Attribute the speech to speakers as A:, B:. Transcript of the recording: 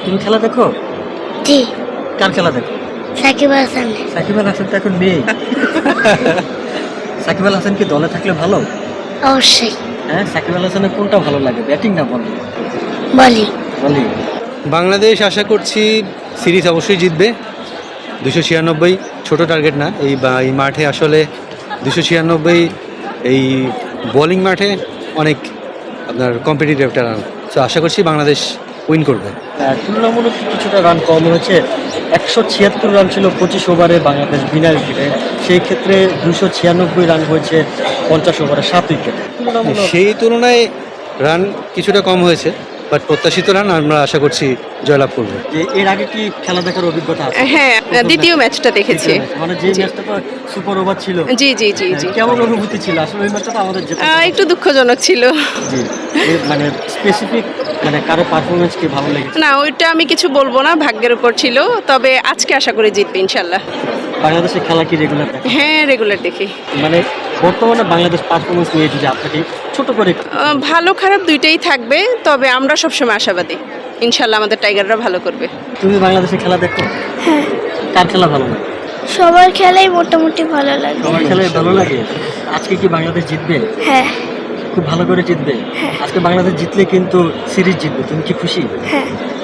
A: তুমি খেলা দেখো?
B: জি।
A: কার খেলা দেখো?
B: সাকিব আল হাসান।
A: সাকিব আল হাসান তো এখন নেই। সাকিব আল হাসান কি দলে থাকলে ভালো?
B: অবশ্যই।
A: হ্যাঁ, সাকিব আল হাসানের কোনটা ভালো লাগে, ব্যাটিং না বলিং?
B: বলি।
A: বলিং।
C: বাংলাদেশ আশা করছি সিরিজ অবশ্যই জিতবে। 296 ছোট টার্গেট না, এই মাঠে আসলে 296 এই বোলিং মাঠে অনেক আপনার কম্পিটিটিভ একটা রান। সো আশা করছি বাংলাদেশ উইন করবে।
A: তুলনামূলক কিছুটা রান কম হয়েছে। 176 রান ছিল 25 ওভারে বাংলাদেশ বিনা উইকেটে। সেই ক্ষেত্রে 296 রান হয়েছে 50 ওভারে 7 উইকেটে।
C: সেই তুলনায় রান কিছুটা কম হয়েছে, বাট প্রত্যাশিত রান আমরা আশা করছি জয়লাভ করবে।
A: যে এর আগে কি খেলা দেখার অভিজ্ঞতা আছে?
D: হ্যাঁ, দ্বিতীয় ম্যাচটা দেখেছি।
A: মানে যে ম্যাচটা তো সুপার ওভার ছিল।
D: জি জি জি জি।
A: কেমন অনুভূতি ছিল? আসলে ওই ম্যাচটা তো আমাদের যেটা
D: একটু দুঃখজনক ছিল।
A: জি, মানে স্পেসিফিক মানে কারো পারফরমেন্স কি ভালো লেগেছে?
D: না, ওইটা আমি কিছু বলবো না, ভাগ্যের উপর ছিল। তবে আজকে আশা করি জিতবে ইনশাল্লাহ।
A: বাংলাদেশের খেলা কি রেগুলার দেখেন?
D: হ্যাঁ, রেগুলার দেখি।
A: মানে বর্তমানে বাংলাদেশ পারফরমেন্স নিয়ে যদি আপনাকে ছোট করে
D: ভালো খারাপ দুইটাই থাকবে, তবে আমরা সবসময় আশাবাদী ইনশাল্লাহ আমাদের টাইগাররা ভালো করবে।
A: তুমি বাংলাদেশের খেলা দেখো?
B: হ্যাঁ।
A: কার খেলা ভালো লাগে?
B: সবার খেলাই মোটামুটি ভালো লাগে।
A: তোমার খেলায় ভালো লাগে। আজকে কি বাংলাদেশ জিতবে?
B: হ্যাঁ।
A: খুব ভালো করে জিতবে। আজকে বাংলাদেশ জিতলে কিন্তু সিরিজ জিতবে। তুমি কি খুশি?
B: হ্যাঁ।